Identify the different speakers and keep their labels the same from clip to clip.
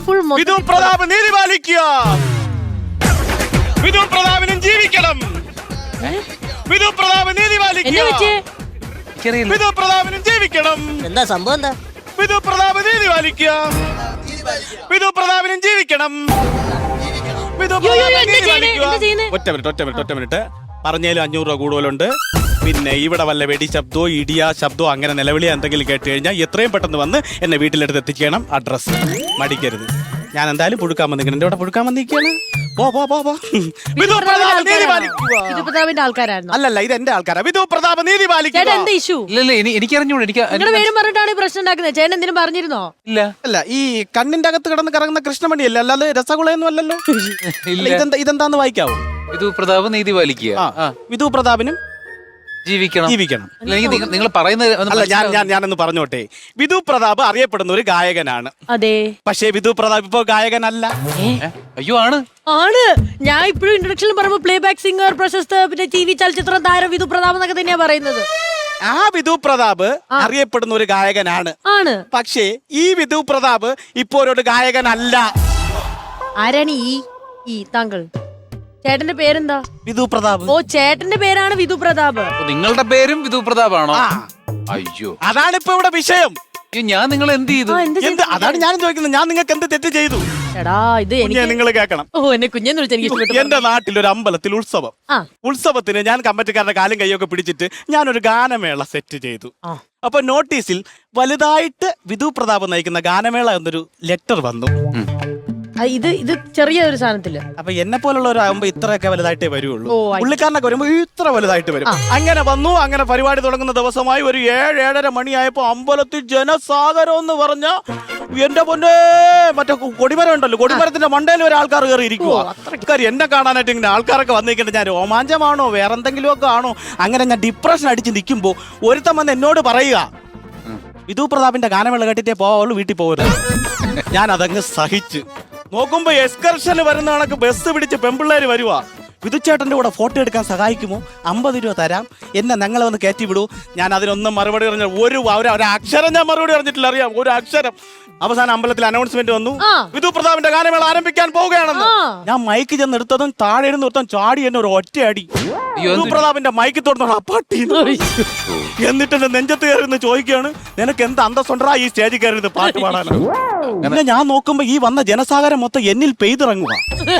Speaker 1: വിധു പ്രതാപ് നീതി പാലിക്കുക. വിധു പ്രതാപിനും ജീവിക്കണം. വിധു പ്രതാപ് നീതി പാലിക്കുക. വിധു പ്രതാപിനും ജീവിക്കണം.
Speaker 2: എന്താ സംഭവം? എന്താ
Speaker 1: വിധു പ്രതാപ് നീതി പാലിക്കുക. വിധു പ്രതാപിനും ജീവിക്കണം. വിധു പ്രതാപ് നീതി പാലിക്കുക. ഒറ്റ മിനിറ്റ് പറഞ്ഞാലും 500 രൂപ കൂടുതലുണ്ട്. പിന്നെ ഇവിടെ വല്ല വെടി ശബ്ദമോ ഇടിയ ശബ്ദമോ അങ്ങനെ നിലവിളിയോ എന്തെങ്കിലും കേട്ട് കഴിഞ്ഞാൽ എത്രയും പെട്ടെന്ന് വന്ന് എന്നെ വീട്ടിലെടുത്ത് എത്തിക്കണം. അഡ്രസ് മടിക്കരുത്. ഞാൻ എന്തായാലും പുഴുക്കാൻ വന്നിരിക്കണം. എന്റെ ഇവിടെ പുഴുക്കാൻ വന്നിരിക്കുകയാണ്. വിധു പ്രതാപ് നീതി പാലിക്കുക. അല്ലല്ല, ഇത് എന്റെ ആൾക്കാരാ. വിധു പ്രതാപ് നീതി പാലിക്കുക.
Speaker 3: എനിക്ക് അറിഞ്ഞൂടെ.
Speaker 4: പറഞ്ഞിട്ടാണ് പ്രശ്നം ഉണ്ടാക്കുന്നത്. ചേട്ടൻ എന്തിനും പറഞ്ഞിരുന്നോ?
Speaker 3: ഇല്ല
Speaker 1: അല്ല, ഈ കണ്ണിന്റെ അകത്ത് കിടന്ന് കറങ്ങുന്ന കൃഷ്ണമണിയല്ല, അല്ലാതെ രസഗുളയൊന്നും അല്ലല്ലോ. ഇതെന്താന്ന് വായിക്കാവോ?
Speaker 3: വിധു പ്രതാപ് നീതി പാലിക്കുക.
Speaker 1: വിധു പ്രതാപിനും ജീവിക്കണം.
Speaker 3: നിങ്ങൾ പറയുന്നത്
Speaker 1: അല്ല, ഞാനൊന്ന് പറഞ്ഞോട്ടെ. വിധു പ്രതാപ് അറിയപ്പെടുന്ന ഒരു ഗായകനാണ്.
Speaker 4: അതെ,
Speaker 1: പക്ഷേ വിധു പ്രതാപ് ഇപ്പൊ ഗായകനല്ല.
Speaker 3: അയ്യോ, ആണ്.
Speaker 4: ഞാൻ ഇപ്പോഴും ഇൻട്രൊഡക്ഷനിൽ പറയുമ്പോ പ്ലേ ബാക്ക് സിംഗർ, പ്രശസ്ത പിന്നെ TV ചലച്ചിത്ര താരം വിധു പ്രതാപ് എന്നൊക്കെ തന്നെയാ പറയുന്നത്.
Speaker 1: ആ വിധു പ്രതാപ് അറിയപ്പെടുന്ന ഒരു ഗായകനാണ്. പക്ഷേ ഈ വിധു പ്രതാപ് ഇപ്പോ ഒരു ഗായകനല്ല.
Speaker 4: ആരാണ് ഈ താങ്കൾ? ചേട്ടന്റെ പേരെന്താ?
Speaker 1: വിധു പ്രതാപ്.
Speaker 4: ഓ, ചേട്ടന്റെ പേരാണ് വിധു പ്രതാപ്.
Speaker 3: നിങ്ങളുടെ പേരും വിധു പ്രതാപാണോ? അയ്യോ,
Speaker 1: അതാണ് ഇപ്പൊ ഇവിടെ വിഷയം.
Speaker 3: ഞാൻ നിങ്ങൾ എന്ത് ചെയ്തു?
Speaker 1: അതാണ് ഞാൻ ചോദിക്കുന്നത്. ഞാൻ നിങ്ങൾക്ക് എന്ത് തെറ്റ് ചെയ്തു? നിങ്ങൾ കേൾക്കണം.
Speaker 4: എന്നെ കുഞ്ഞെന്ന് വിളിച്ചു.
Speaker 1: എന്റെ നാട്ടിൽ ഒരു അമ്പലത്തിൽ ഉത്സവത്തിന് ഞാൻ കമ്മിറ്റിക്കാരുടെ കാലും കൈയൊക്കെ പിടിച്ചിട്ട് ഞാനൊരു ഗാനമേള സെറ്റ് ചെയ്തു. അപ്പൊ നോട്ടീസിൽ വലുതായിട്ട് വിധു പ്രതാപ് നയിക്കുന്ന ഗാനമേള എന്നൊരു ലെറ്റർ വന്നു.
Speaker 4: ഇത് ചെറിയൊരു സാധനത്തില്.
Speaker 1: അപ്പൊ എന്നെ പോലുള്ളവരാകുമ്പോ ഇത്രയൊക്കെ വലുതായിട്ടേ വരുള്ളൂ. പുള്ളിക്കാരനൊക്കെ വരുമ്പോ ഇത്ര വലുതായിട്ട് വരും. അങ്ങനെ വന്നു. അങ്ങനെ പരിപാടി തുടങ്ങുന്ന ദിവസമായി ഒരു 7-7:30 മണിയായപ്പോ അമ്പലത്തിൽ ജനസാഗരം എന്ന് പറഞ്ഞ എന്റെ പൊന്നെ, മറ്റേ കൊടിമരം ഉണ്ടല്ലോ, കൊടിമരത്തിന്റെ മണ്ടയിൽ ഒരു ആൾക്കാർ കയറി ഇരിക്കുക. അത്രക്കാർ എന്നെ കാണാനായിട്ട് ഇങ്ങനെ ആൾക്കാരൊക്കെ വന്നിരിക്കട്ടെ. ഞാൻ രോമാഞ്ചമാണോ വേറെന്തെങ്കിലും ഒക്കെ ആണോ, അങ്ങനെ ഞാൻ ഡിപ്രഷൻ അടിച്ച് നിൽക്കുമ്പോ ഒരുത്തം വന്ന് എന്നോട് പറയുക, വിധു പ്രതാപിന്റെ ഗാനമേള കേട്ടിട്ടേ പോവുള്ളൂ, വീട്ടിൽ പോകരുത്. ഞാൻ അതങ്ങ് സഹിച്ച് നോക്കുമ്പോ എക്സ്കർഷന് വരുന്ന കണക്ക് ബസ് പിടിച്ച് പെമ്പിള്ളേര് വരുവാ. വിധുച്ചേട്ടന്റെ കൂടെ ഫോട്ടോ എടുക്കാൻ സഹായിക്കുമോ? 50 രൂപ തരാം, എന്നെ ഞങ്ങളെ വന്ന് കയറ്റി വിടൂ. ഞാൻ അതിനൊന്നും മറുപടി പറഞ്ഞ ഒരു അക്ഷരം ഞാൻ മറുപടി പറഞ്ഞിട്ടില്ല. അറിയാം, ഒരു അക്ഷരം. അവസാനം അമ്പലത്തിൽ അനൗൺസ്മെന്റ് വന്നു, വിധു പ്രതാപിന്റെ ഗാനമേള ആരംഭിക്കാൻ പോവുകയാണെന്ന്. ഞാൻ മൈക്ക് ചെന്ന് എടുത്തതും താഴെ ഇരുന്ന് ഒരുത്തം ചാടി എന്നെ ഒരു ഒറ്റയടി. വിധു പ്രതാപിന്റെ മൈക്ക് തുറന്നു അപ്പാട്ടി. എന്നിട്ട് എന്റെ നെഞ്ചത്ത് കയറി ചോദിക്കുകയാണ്, നിനക്ക് എന്ത് അന്തസ്സുണ്ടാ ഈ സ്റ്റേജിൽ കയറി പാട്ട് പാടാനോ? പിന്നെ ഞാൻ നോക്കുമ്പോ ഈ വന്ന ജനസാഗരം മൊത്തം എന്നിൽ പെയ്തിറങ്ങുക.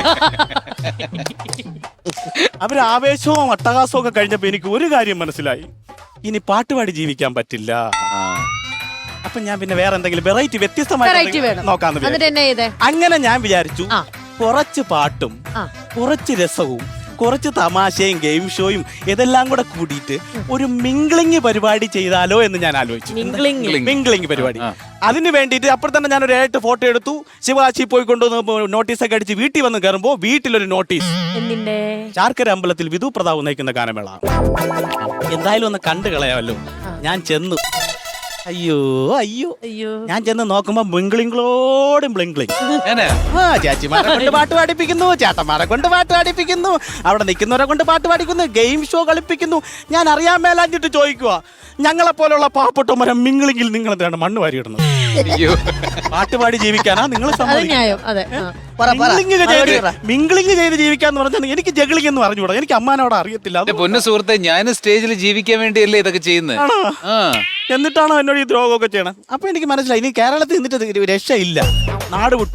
Speaker 1: അവര് ആവേശവും അട്ടഹാസവും ഒക്കെ കഴിഞ്ഞപ്പോ എനിക്ക് ഒരു കാര്യം മനസ്സിലായി, ഇനി പാട്ടുപാടി ജീവിക്കാൻ പറ്റില്ല. അപ്പൊ ഞാൻ പിന്നെ വേറെ എന്തെങ്കിലും വെറൈറ്റി വ്യത്യസ്തമായിട്ട് നോക്കാന്ന് വിചാരിച്ചു. അങ്ങനെ ഞാൻ വിചാരിച്ചു, കുറച്ച് പാട്ടും കുറച്ച് രസവും കുറച്ച് തമാശയും ഗെയിം ഷോയും ഇതെല്ലാം കൂടെ കൂടിയിട്ട് ഒരു മിംഗ്ലിംഗ് പരിപാടി ചെയ്താലോ എന്ന് ഞാൻ ആലോചിച്ചു. മിംഗ്ലിംഗ് പരിപാടി. അതിന് വേണ്ടിയിട്ട് അപ്പോൾ തന്നെ ഞാനൊരു 8 ഫോട്ടോ എടുത്തു. ശിവകാശി പോയി കൊണ്ടുവന്ന് നോട്ടീസൊക്കെ അടിച്ച് വീട്ടിൽ വന്ന് കയറുമ്പോ വീട്ടിലൊരു നോട്ടീസ്, ചാർക്കര അമ്പലത്തിൽ വിധു പ്രതാപ് നയിക്കുന്ന ഗാനമേള, എന്തായാലും ഒന്ന് കണ്ടു കളയാമല്ലോ. ഞാൻ ചെന്നു. അയ്യോ അയ്യോ അയ്യോ, ഞാൻ ചെന്ന് നോക്കുമ്പോ ബ്ലിംഗ്ലിംഗ്ലോടും ബ്ലിംഗ്ലിംഗ്. ചേച്ചിമാരെ കൊണ്ട് പാട്ട് പാടിപ്പിക്കുന്നു, ചേട്ടന്മാരെ കൊണ്ട് പാട്ട് പാടിപ്പിക്കുന്നു, അവിടെ നിൽക്കുന്നവരെ കൊണ്ട് പാട്ട് പാടിക്കുന്നു, ഗെയിം ഷോ കളിപ്പിക്കുന്നു. ഞാൻ അറിയാൻ മേലാഞ്ഞിട്ട് ചോദിക്കുക, ഞങ്ങളെ പോലുള്ള പാവപ്പെട്ടവരെ മിംഗ്ലിംഗിൽ നിങ്ങൾ എന്താണ് മണ്ണ് വാരിയിടുന്നത്? പാട്ടുപാടി ജീവിക്കാനാ നിങ്ങൾ? മിംഗ്ലിംഗ് ചെയ്ത് ജീവിക്കാന്ന് പറഞ്ഞാൽ എനിക്ക് ജഗ്ലിംഗ് എന്ന് പറഞ്ഞുകൂടാ. എനിക്ക് അമ്മാനോട് അറിയത്തില്ല.
Speaker 3: പൊന്നു സുഹൃത്തെ, ഞാൻ സ്റ്റേജിൽ ജീവിക്കാൻ വേണ്ടിയല്ലേ ഇതൊക്കെ ചെയ്യുന്നത്.
Speaker 1: എന്നിട്ടാണോ എന്നോട് ഈ ദ്രോഹമൊക്കെ ചെയ്യണം? അപ്പൊ എനിക്ക് മനസ്സിലായി, ഇനി കേരളത്തിൽ നിന്നിട്ട് രക്ഷയില്ല, നാട് വിട്ടു.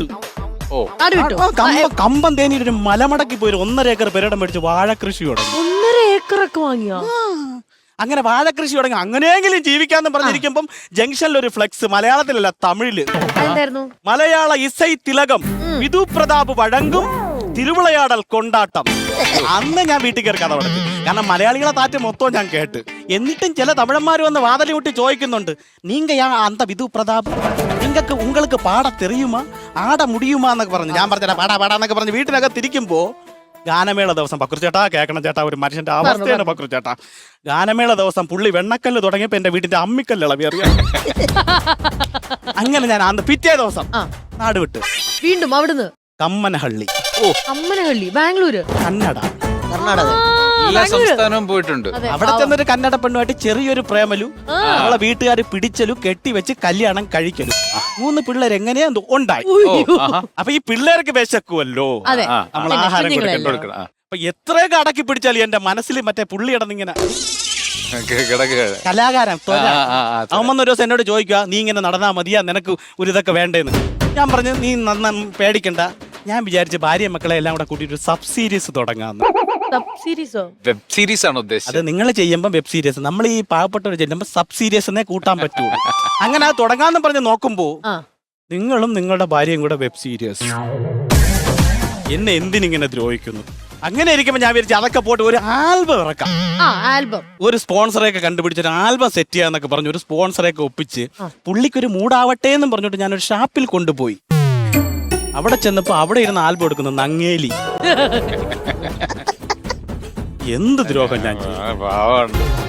Speaker 1: കമ്പം തേനിയിൽ ഒരു മലമടക്കി പോയി 1.5 ഏക്കർ പെരടം മേടിച്ച് വാഴ കൃഷി തുടങ്ങി.
Speaker 4: 1.5 ഏക്കറൊക്കെ വാങ്ങിയോ?
Speaker 1: അങ്ങനെ വാഴ കൃഷി തുടങ്ങി. അങ്ങനെയെങ്കിലും ജീവിക്കാന്ന് പറഞ്ഞിരിക്കുമ്പം ജംഗ്ഷനിൽ ഒരു ഫ്ലെക്സ്, മലയാളത്തിലല്ല തമിഴില്, മലയാള ഇസൈ തിലകം വിധു പ്രതാപ് വഴങ്കും തിരുവിളയാടൽ കൊണ്ടാട്ടം. അന്ന് ഞാൻ വീട്ടിൽ കയറി കഥ പറഞ്ഞു. കാരണം മലയാളികളെ താറ്റ് മൊത്തം ഞാൻ കേട്ട്. എന്നിട്ടും ചില തമിഴന്മാർ വന്ന് വാതിലി വിട്ട് ചോദിക്കുന്നുണ്ട്, നീങ്ക അന്ത വിധു പ്രതാപ്, നിങ്ങൾക്ക് உங்களுக்கு പാട തെറിയുമാ, ആട മുടിയുമാ എന്നൊക്കെ പറഞ്ഞു. ഞാൻ പറഞ്ഞ പാടാന്നൊക്കെ പറഞ്ഞ് വീട്ടിനകത്തിരിക്കുമ്പോ ഗാനമേള ദിവസം, പക്രു ചേട്ടാ കേൾക്കണം ചേട്ടാ, ഒരു മനുഷ്യന്റെ അവസ്ഥയാണ് പക്രു ചേട്ടാ. ഗാനമേള ദിവസം പുള്ളി വെണ്ണക്കല്ല് തുടങ്ങിയപ്പോ എന്റെ വീട്ടിന്റെ അമ്മിക്കല്ല് ഇളവി, അറിയാം. അങ്ങനെ ഞാൻ അന്ന് പിറ്റേ ദിവസം നാട് വിട്ട്
Speaker 4: വീണ്ടും അവിടുന്ന്
Speaker 1: കമ്മനഹള്ളി,
Speaker 4: ബാംഗ്ലൂര്,
Speaker 1: കർണാടക.
Speaker 3: എല്ലാ സംസ്ഥാനവും പോയിട്ടുണ്ട്.
Speaker 1: അവിടെ ചെന്നൊരു കന്നഡ പെണ്ണുമായിട്ട് ചെറിയൊരു പ്രേമലു, നമ്മളെ വീട്ടുകാർ പിടിച്ചലു, കെട്ടിവെച്ച് കല്യാണം കഴിക്കലു, 3 പിള്ളേർ എങ്ങനെയാ ഉണ്ടായി. അപ്പൊ ഈ പിള്ളേർക്ക് വിശക്കുമല്ലോ, നമ്മൾ ആഹാരം കൊടുക്കണം. അപ്പൊ എത്രയൊക്കെ അടക്കി പിടിച്ചാലും എന്റെ മനസ്സിൽ മറ്റേ പുള്ളി ഇടന്നിങ്ങനെ കലാകാരൻ അവൻ വന്നൊരു ദിവസം എന്നോട് ചോദിക്കുക, നീ ഇങ്ങനെ നടന്നാ മതിയാ, നിനക്ക് ഒരു ഇതൊക്കെ വേണ്ടേന്ന്. ഞാൻ പറഞ്ഞു, നീ പേടിക്കണ്ട, ഞാൻ വിചാരിച്ച് ഭാര്യ മക്കളെ എല്ലാം കൂടെ കൂട്ടിയിട്ട് ഒരു സബ് സീരീസ് തുടങ്ങാന്ന്.
Speaker 3: വെബ് സീരീസ് ആണ് ഉദ്ദേശിച്ചത്.
Speaker 1: അത് നിങ്ങൾ ചെയ്യുമ്പോൾ വെബ് സീരീസ്, നമ്മൾ ഈ പാവപ്പെട്ടവർ ചെല്ലുമ്പോൾ സബ് സീരീസ് എന്നേ കൂട്ടാൻ പറ്റുള്ളൂ. അങ്ങനെ അത് തുടങ്ങാന്ന് പറഞ്ഞ് നോക്കുമ്പോ നിങ്ങളും നിങ്ങളുടെ ഭാര്യയും കൂടെ വെബ് സീരീസ്. എന്നെ എന്തിനിങ്ങനെ ദ്രോഹിക്കുന്നു? അങ്ങനെ ഇരിക്കുമ്പോ ഞാൻ വിചാരിച്ചു അതൊക്കെ പോയിട്ട് ഒരു ആൽബം ഇറക്കാം. ഒരു സ്പോൺസറെയൊക്കെ കണ്ടുപിടിച്ചൊരു ആൽബം സെറ്റ് ചെയ്യാന്നൊക്കെ പറഞ്ഞു ഒരു സ്പോൺസറെയൊക്കെ ഒപ്പിച്ച് പുള്ളിക്കൊരു മൂടാവട്ടെ എന്നും പറഞ്ഞിട്ട് ഞാനൊരു ഷാപ്പിൽ കൊണ്ടുപോയി. അവിടെ ചെന്നപ്പോ അവിടെ ഇരുന്ന് ആൽബം എടുക്കുന്നു നങ്ങേലി. എന്ത് ദ്രോഹം ഞാൻ ചെയ്തു.